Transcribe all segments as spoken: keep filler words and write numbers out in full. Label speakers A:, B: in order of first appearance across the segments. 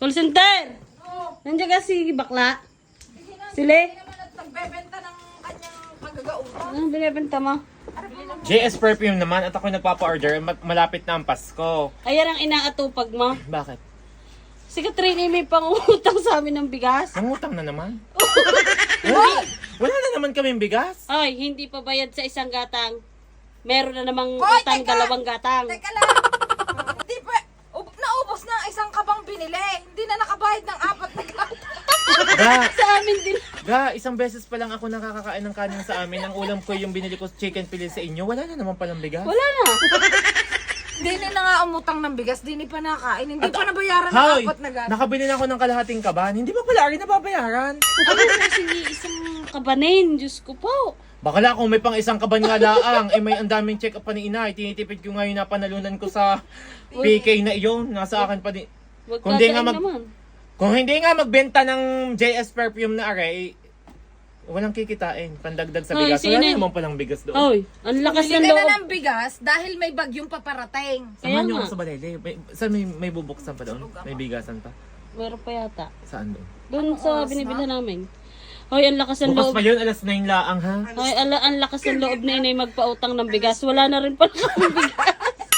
A: Call center!
B: Oo.
A: Nandiyan ka si bakla?
B: Hindi na,
A: Sile?
B: hindi naman at nagbebenta ng kanyang pagkagautan.
A: Anong binibenta mo?
C: J S Perfume naman at ako nagpapa-order. Ma- Malapit na ang Pasko.
A: Ayan ang inaatupag mo.
C: Bakit?
A: Si Katrina may pangutang sa amin ng bigas.
C: Nangutang na naman? wala, wala na naman kaming bigas.
A: Ay, hindi pa bayad sa isang gatang. Meron na namang
B: Hoy,
A: utang
B: teka!
A: dalawang gatang.
B: Teka lang. Hindi pa, ub- naubos na ang isang kabang binili. Hindi na nakabayad ng apat na gata.
C: Ga,
A: Sa amin din.
C: ga, isang beses pa lang ako nakakakain ng kanin sa amin. Ang ulam ko yung binili ko chicken pili sa inyo. Wala na naman palang bigas.
A: Wala na.
B: Hindi na nga umutang ng bigas. Hindi pa nakain. Hindi pa nabayaran ng
C: Hoy,
B: apat na gata.
C: nakabili na ako ng kalahating kaban. Hindi ba pala rin nababayaran?
A: Ano mo sige isang kabanin? Diyos ko po.
C: Bakala kung may pang isang kaban nga laang, eh may ang daming check up pa ni inay. Tinitipid ko ngayon na panalunan ko sa P K na iyon. Nasa akin pa din.
A: Wag
C: Kung di nga
A: kakain
C: mag-
A: naman.
C: Kung hindi nga magbenta ng J S Perfume na aray, walang kikitain. Pandagdag sa
A: Hoy,
C: bigas. Wala
A: sino?
C: naman palang bigas doon.
A: Oy, ang lakas
B: Bili
A: ng
B: ka
A: loob.
B: na ng bigas dahil may bagyong paparating.
A: Kaya
C: Samahan niyo
A: nga.
C: ako sa Balele. May, saan may, may bubuksan pa doon? May bigasan pa?
A: Meron pa yata.
C: Saan doon?
A: Doon sa binibila namin. Hoy, ang lakas ng
C: Bukas
A: loob.
C: pa yun, alas nine laang ha?
A: Hoy, ala, ang lakas ng loob na inay magpautang ng bigas. Wala na rin pala kami bigas.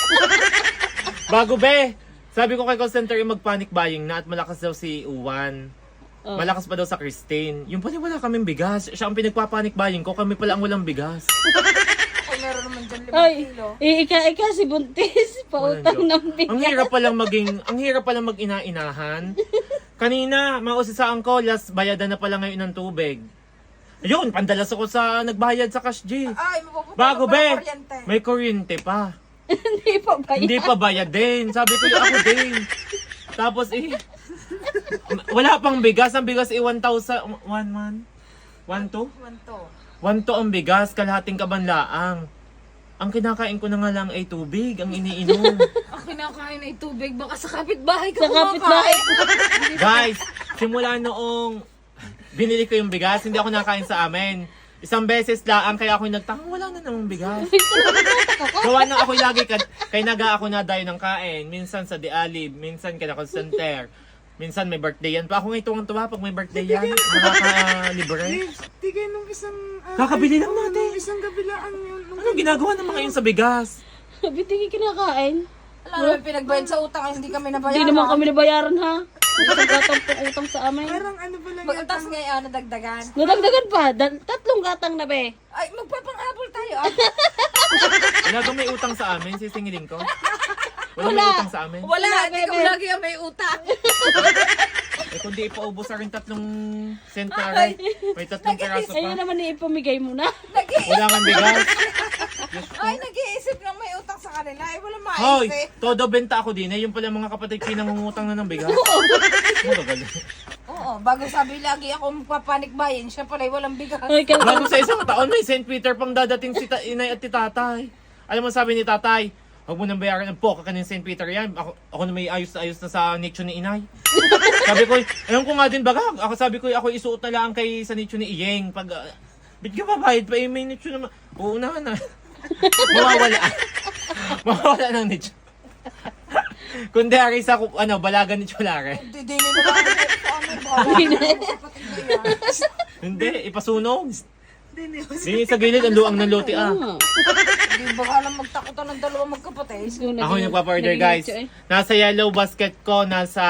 C: Bago be! Sabi ko kay call center yung mag-panic buying na at malakas daw si Uwan.
A: Oh.
C: Malakas pa daw sa Christine. Yung pala wala kaming bigas. Siya ang pinagpa-panic buying ko. Kami pala ang walang bigas.
B: Ay, meron naman dyan limang
A: Hoy,
B: kilo.
A: ika-ika si Buntis. Pautang
C: Walang
A: ng
C: joke. Ang
A: bigas.
C: hirap palang maging, ang hirap palang mag-ina-inahan. Kanina, mausisaan ko, last bayadan na pala ngayon ng tubig. Ayun, pandalas ako sa nagbayad sa Cash G.
B: Ay, mapupunta
C: Bago
B: ka pa ng
C: be,
B: kuryente.
C: may kuryente pa.
A: Hindi pa ba
C: Hindi pa bayad din. Sabi ko yung ako din. Tapos eh, wala pang bigas. Ang bigas eh one thousand, one man? one two?
B: Wanto.
C: one two ang bigas, kalahating kabanlaang. Ang kinakain ko na nga lang ay tubig, ang iniinom.
B: Ang kinakain ay tubig. Baka sa kapitbahay ka
A: Sa kapitbahay.
B: kumakain.
C: Guys, simula noong binili ko yung bigas, hindi ako nakain sa amin. Isang beses lang, kaya ako nagtaka, wala na namang bigas. Gawa na ako lagi, ka, kay naga ako na dayo ng kain. Minsan sa Dialib, minsan kay na call center. Minsan may birthday yan. Pa ako ngayon tuwang-tuwa pag may birthday yan. Nakaka-libre.
D: Tigay nung isang... ah,
C: Kakabili lang
D: oo,
C: natin.
D: nung isang kabilaan yun. Nung
C: Anong ginagawa naman ngayon sa bigas?
A: Bitingi kinakain.
B: Alam naman, pinagbayad sa utang ay hindi kami nabayaran.
A: Hindi naman kami nabayaran ha. Isang gatang pang utang sa amin.
D: parang ano ba lang
B: Mag-utas ngayon, nadagdagan.
A: Nadagdagan pa. Dan- tatlong gatang na be.
B: Ay, magpapang-habol tayo. Ah.
C: Wala bang may utang sa amin? Sisingilin ko? Wala, may
A: Wala.
C: utang sa amin?
B: Wala,
A: Wala,
B: hindi
A: bebe.
B: ko lagi ang may utang.
C: Eh kundi ipaubos na rin tatlong cent na rin. May tatlong peraso
A: Ayun
C: pa.
A: naman ipamigay mo na.
C: Wala kang bigas.
B: Ay, nag-iisip lang may utang sa kanila. Ay, wala
C: Hoy,
B: maisip.
C: todo benta ako din. Eh, yung pala mga kapatid pinangungutang na ng bigas. Magagaling.
B: Oo, bago sabi lagi ako magpapanik bayin, siya pala ay walang bigas.
A: Hoy, kaya
C: Bago sa isang taon, may Saint Peter pang dadating si ta- inay at ti tatay. Alam mo sabi ni tatay, huwag mo nang bayaran ng poka ka ng Saint Peter yan. Ako, ako na may ayos na ayos na sa nicho ni inay. Sabi ko, ayun ko nga din baga. Ako sabi ko, ako isuot na lang kay sa nicho ni Iyeng. Pag, uh, bit ka babayad pa, eh, may nicho naman. Oo na na. Mawawala. Mawawala ng nicho. Kundi ari sa ano, balagan ni Cholare.
B: Hindi, hindi na lang ako sa amin. Baka kapatid na yan.
C: Hindi, ipasunog.
D: Hindi,
C: Di sa gilid, ang luang ng lote ah.
A: nga.
B: Hindi, baka lang magtakutan ng dalawang magkapatid.
C: Ako yung nagpa-order guys. Nasa yellow basket ko, nasa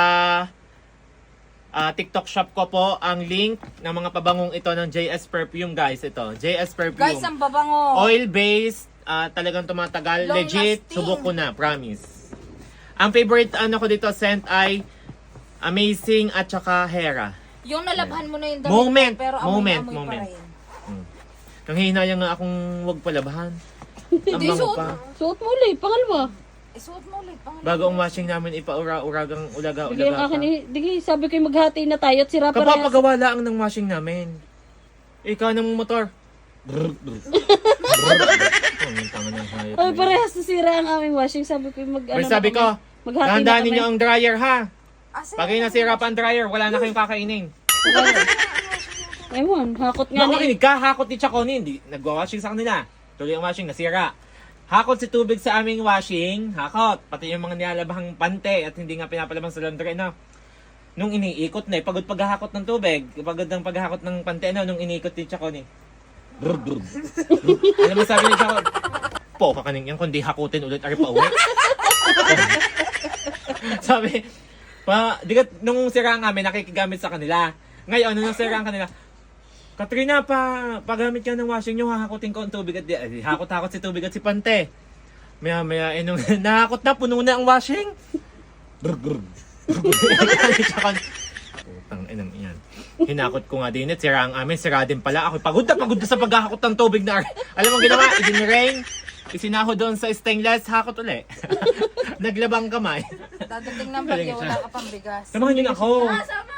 C: ah, TikTok shop ko po ang link ng mga pabangong ito ng J S Perfume guys. Ito, J S Perfume.
B: Guys, ang babango.
C: Oil-based, ah, talagang tumatagal.
B: Long
C: Legit,
B: lasting.
C: subok ko na, promise. Ang favorite ano ko dito scent ay Amazing at saka Hera.
B: Yung nalabhan mo na yung damit
C: Moment,
B: ko, pero amoy
C: moment,
B: na amoy
C: moment.
B: pa rin.
C: Nang hihinayang nga akong wag palabahan. Ang
B: Hindi,
C: bango
B: suot
C: pa.
A: Suot mo ulit, pangalawa.
B: Isuot mo ulit. Pangalan.
C: Bago ang washing namin, ipaura-uragang
A: Sige, ang
C: ulaga-ulaga
A: akin,
C: pa.
A: eh, digi, sabi ko yung maghati na tayo at sira parehas.
C: Kapapagawa lang ng washing namin. Ikaw ng motor. Brr, brr. Brr. Oh, yung tanga ng hayop
A: Ay,
C: na yun.
A: parehas na sira ang aming washing. Sabi ko yung mag, ano
C: Pero sabi
A: na
C: ko,
A: kami. Maghati na
C: dahan-dahan
A: kami.
C: ninyo ang dryer ha.
B: Ah, sige.
C: Pag kayo nasira pa ang dryer, wala na kayong kakainin.
A: Ewan, hakot nga ni.
C: Makikinig ka, hakot ni Chaconi, hindi nagwa-washing sa kanila. Tuloy ang washing, nasira. Hakot si tubig sa aming washing, hakot. Pati yung mga nilalabahang pante at hindi nga pinapalabang sa laundry, no? nung iniikot na eh, pagod paghahakot ng tubig, pagod ng paghahakot ng pante, ano, nung iniikot ni Chacon eh. Brr, brr. Alam mo sabi ni Chacon, po ka kaning yan, kundi hakutin ulit ari pa uwi. Sabi, pa, di ka, nung sira nga kami, nakikigamit sa kanila. Ngayon, nung sira ang kanila, Katrina, pa, pagamit ka ng washing nyo, hahakutin ko ang tubig at di, ay, hakot-hakot si tubig at si Pante. Maya, maya, eh, nung nahakot na, puno na ang washing. Brr, brr. Putang inang iyan. Hinakot ko nga din at sira ang amin, sira din pala. Ako pagod na pagod na sa paghahakot ng tubig na. Alam mo ginawa, idinrain, isinaho doon sa stainless, hakot uli. Naglabang kamay.
B: Dadating ng bagyo, wala ka pang bigas.
C: Samahan niyo na ako.
B: Ah, sama!